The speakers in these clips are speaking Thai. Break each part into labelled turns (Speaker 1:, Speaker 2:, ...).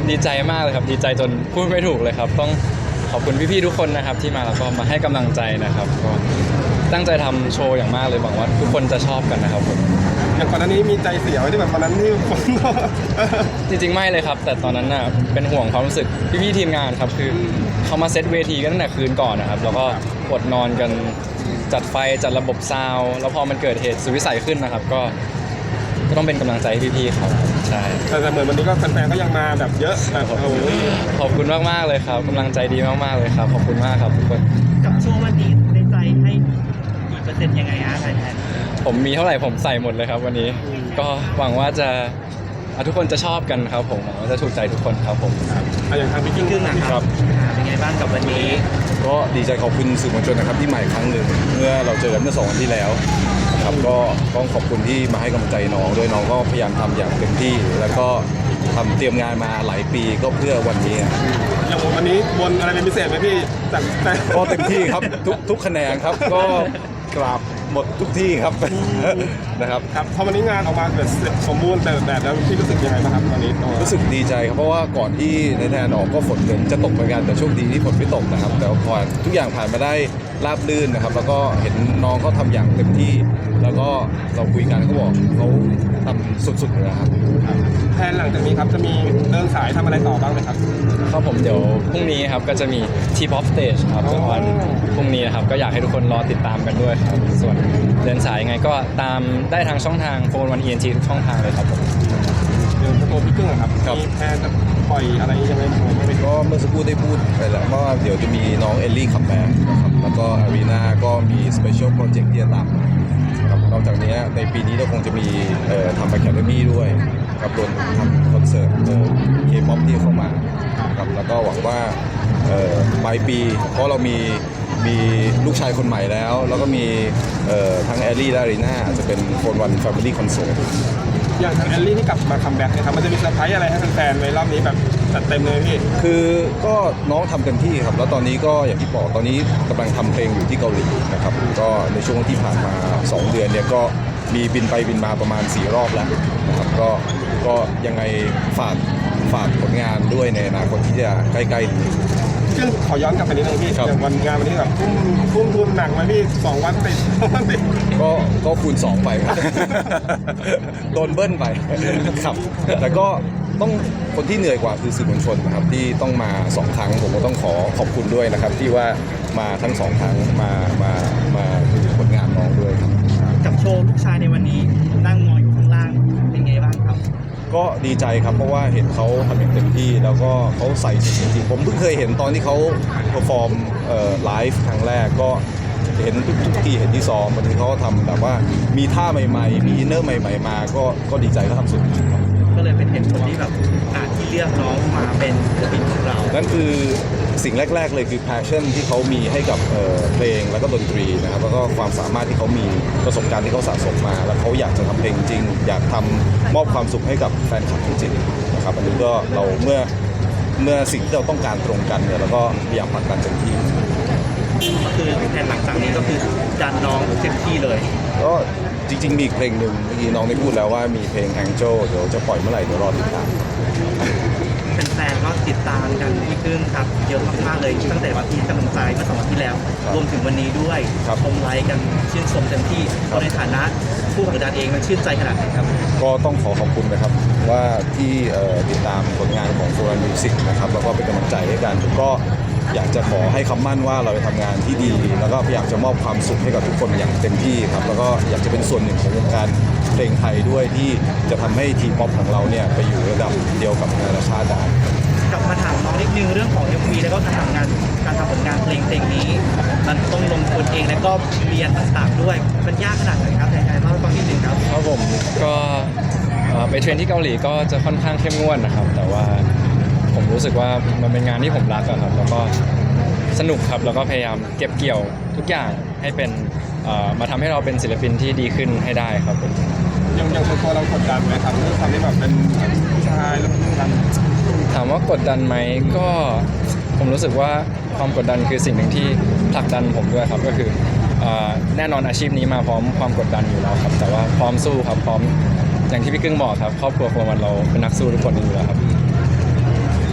Speaker 1: ดีใจมากเลยครับดีใจจนพูดไม่ถูกเลยครับต้องขอบคุณพี่ๆทุกคนนะครับที่มาแล้วก็มาให้กำลังใจนะครับก็ตั้งใจทำโชว์อย่างมากเลยหวังว่าทุกคนจะชอบกันนะครับผม
Speaker 2: อย่างก่อนหน้านี้มีใจเสียไว้ที่แบบวันนั้นที่คน
Speaker 1: จริงๆไม่เลยครับแต่ตอนนั้นน่ะเป็นห่วงความรู้สึกพี่ๆทีมงานครับคือเขามาเซตเวทีกันตั้งแต่คืนก่อนนะครับแล้วก็อดนอนกันจัดไฟจัดระบบซาวด์แล้วพอมันเกิดเหตุสุดวิสัยขึ้นนะครับก็ต้องเป็นกำลังใจให้พี่ๆเขาใช่
Speaker 2: แต่เหมือนวันนี้ก็แฟนๆก็ยังมาแบบเยอะแบบโอ้โห
Speaker 1: ขอบคุณมากๆเลยครับกำลังใจดีมากๆเลยครับขอบคุณมากครับทุกคน
Speaker 3: กับโชว์วันนี้ในใจให้กี่เปอร์เซ็นต์ยังไงฮะแทน
Speaker 1: ผมมีเท่าไหร่ผมใส่หมดเลยครับวันนี้ก็หวังว่าจะทุกคนจะชอบกันครับผมหวังว่าจะถูกใจทุกคนครับผม
Speaker 2: อย่างทางพี่กิ้ง
Speaker 3: ครึ่งนะครับเป็นไงบ้างกับวันนี้
Speaker 4: ก็ดีใจขอบคุณสื่อมวลชนนะครับที่ใหม่ครั้งหนึ่งเมื่อเราเจอกันเมื่อ2 วันที่แล้วนะครับก็ต้องขอบคุณที่มาให้กำลังใจน้องด้วยน้องก็พยายามทำอย่างเต็มที่ แล้วก็ทำเตรียมงานมาหลายปีก็เพื่อวันนี้
Speaker 2: อย่างวันนี้บนอะไรเป็นพิเศษไหมพี่จากแต่
Speaker 4: ก็เต็มที่ครับทุกคะแนนครับก็กราบหมดทุกที่ครับ นะครับ
Speaker 2: ครับพอวันนี้งานออกมาแบบเสร็จสมบูรณ์แต่แล้วพี่รู้สึกยังไงบ้างครับตอนนี้
Speaker 4: รู้สึกดีใจครับเพราะว่าก่อนที่ในแทนออกก็ฝนเกินจะตกเหมือนกันแต่โชคดีที่ฝนไม่ตกนะครับแต่พอทุกอย่างผ่านมาได้ราบรื่นนะครับแล้วก็เห็นน้องเขาทำอย่างเต็มที่ แล้วก็เราคุยกันเขาบอกเขาทำสุดๆเลยนะครับ
Speaker 2: แทนหลังจากนี้ครับจะมีเดินสายทำอะไรต่อบ้างไหมครับ
Speaker 1: ครับผมเดี๋ยวพรุ่งนี้ครับก็จะมี T-pop stage ครับในวันพรุ่งนี้นะครับก็อยากให้ทุกคนรอติดตามกันด้วยครับส่วนเดินสายยังไงก็ตามได้ทางช่องทางโฟนวัน ENT ทุกช่องทางเลยครับผม
Speaker 2: เดี๋ยวตัวพี่กึ้งอะครับ
Speaker 4: ครับ
Speaker 2: มีแพนจะปล่อยอะไรยังไงผมไม่รู้
Speaker 4: ก็เมื่อสักครู่ได้พูดไปแล้วว่าเดี๋ยวจะมีน้องเอลลี่คัมแบ็กนะครับแล้วก็อารีนาก็มีสเปเชียลโปรเจกต์ที่จะตามมาครับนอกจากนี้ในปีนี้เราคงจะมีทำ Academy ด้วยกับรวมถึงทำคอนเสิร์ตเคป๊อปที่เข้ามาครับแล้วก็หวังว่าปลายปีเพราะเรามีลูกชายคนใหม่แล้วก็มีทั้งแอลลี่และอารีนาอาจจะเป็นโฟนวันแฟมิลี่คอนเสิร์ต
Speaker 2: อย่างทางแอลลี่ที่กลับมาคัมแบ็กเนี่ยครับมันจะมีเซอร์ไพรส์อะไรให้แฟนๆไว้รอบนี้แบบจัดเต็มเลยพี่
Speaker 4: คือก็น้องทำเต็มที่ครับแล้วตอนนี้ก็อย่างที่บอกตอนนี้กำลังทำเพลงอยู่ที่เกาหลีนะครับก็ในช่วงที่ผ่านมา 2 เดือนเนี่ยก็มีบินไปบินมาประมาณ4 รอบแล้วนะครับก็ยังไงฝากผลงานด้วยในอนาคตที่จะใกล้ๆนี้
Speaker 2: ซึ่งขอย้อนกลับไปนิดนึงพี่
Speaker 4: ครับ
Speaker 2: อย่างวันงานวันนี้แบบทุ่มทุนหนักไหมพี่2 วันติด วันติด
Speaker 4: ก็คูณ 2 ไปครับ โดนเบิ้ลไปครับแต่ก็ต้องคนที่เหนื่อยกว่าคือสื่อมวลชนนะครับที่ต้องมา2 ครั้งผมก็ต้องขอขอบคุณด้วยนะครับที่ว่ามาทั้ง2 ครั้งมาดูผลงานน้องด้วยครับ
Speaker 3: กับโชว์ลูกชายในวันนี้นั่งมองอยู่ข้างล่างเป็นไงบ้างครับ
Speaker 4: ก็ดีใจครับเพราะว่าเห็นเขาทำอย่างเต็มที่แล้วก็เขาใส่สุดจริงๆผมเพิ่งเคยเห็นตอนที่เขาเพอร์ฟอร์มไลฟ์ครั้งแรกก็เห็นทุกที่เห็นที่ซ้อมบางทีเขาก็ทำแบบว่ามีท่าใหม่ๆมีอินเนอร์ใหม่ๆมาก็ดีใจเขาทำสุดจริงๆครับ
Speaker 3: ก็เลยเป็นเหตุผลที่แบบที่เลือกน้องมาเป็นศิลปินของเรา
Speaker 4: นั่นคือสิ่งแรกๆเลยคือ passion ที่เขามีให้กับเพลงแล้วก็ดนตรีนะครับแล้วก็ความสามารถที่เขามีประสบการณ์ที่เขาสะสมมา แล้วเขาอยากจะทำเพลงจริง อยากทำมอบความสุขให้กับแฟนคลับจริงๆนะครับอันนี้ก็เราเมื่อสิ่งที่เราต้องการตรงกันเนี่ยเราก็พยายามผลักดันเต็มที่
Speaker 3: ก็คือแทนหลังจากนี้ก็คือดันน้องเต็มที่เลย
Speaker 4: ก็จริงๆมีอีกเพลงหนึ่งเมื่อกี้น้องได้พูดแล้วว่ามีเพลง Angel เดี๋ยวจะปล่อยเมื่อไหร่เดี๋ยวรอติดตาม
Speaker 3: แฟนๆก็ติดตามกันพี่กึ้งครับเยอะมากๆเลยตั้งแต่วันที่กำลังใจเมื่อ2 วันที่แล้ว รวมถึงวันนี้ด้วย
Speaker 4: ครับ
Speaker 3: ชมไลค์กันชื่นชมเต็มที่เราในฐานะผู้ผลักดันเองมันชื่นใจขนาดไหนครับ
Speaker 4: ก็ต้องขอบคุณนะครับว่าที่ติดตามผลงานของ f o r Miu Music นะครับแล้วก็เป็นกำลังใจให้กันก็อยากจะขอให้คำมั่นว่าเราจะทำงานที่ดี แล้วก็พยายามจะมอบความสุขให้กับทุกคนอย่างเต็มที่ครับแล้วก็อยากจะเป็นส่วนหนึ่งของวงการเพลงไทยด้วยที่จะทำให้ทีป๊อปของเราเนี่ยไปอยู่ระดับเดียวกับนานาชาติได้
Speaker 3: กลับมาถามน้องนิดนึงเรื่องของ MV แล้วก็การทำผลงานเพลงนี้ มันต้องลงทุนเองแล้วก็เรียนต่างๆด้วยมันยากขนาดไหนครับแต่เล่าให้ฟังนิดนึงครับ
Speaker 1: ครับผมก็ไปเทรนที่เกาหลีก็จะค่อนข้างเข้มงวดนะครับแต่ว่าผมรู้สึกว่ามันเป็นงานที่ผมรักอะครับแล้วก็สนุกครับแล้วก็พยายามเก็บเกี่ยวทุกอย่างให้เป็นมาทำให้เราเป็นศิลปินที่ดีขึ้นให้ได้ครับผม
Speaker 2: อย่างตัวเรากดดันไหมครับเรื่องความที่แบบเป็นผู้ชายแล้วทำ
Speaker 1: ถามว่ากดดันไหมก็ผมรู้สึกว่าความกดดันคือสิ่งหนึ่งที่ผลักดันผมด้วยครับก็คือแน่นอนอาชีพนี้มาพร้อมความกดดันอยู่แล้วครับแต่ว่าพร้อมสู้ครับพร้อมอย่างที่พี่กึ้งบอกครับครอบครัวของเราเป็นนักสู้ทุกคนอยู่แล้วครับ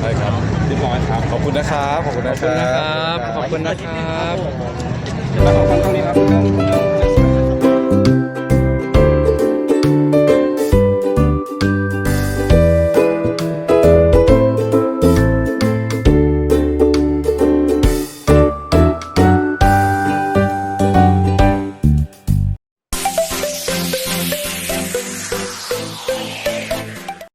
Speaker 4: ได้ครับ
Speaker 2: เรียบร้อยครับ
Speaker 4: ขอบคุณนะครับ ขอบคุณ
Speaker 1: ข
Speaker 4: นะ
Speaker 1: อบคุณนะครับ ขอบคุณนะครับ
Speaker 2: แล้วขอบคุณตรงนี้ครับ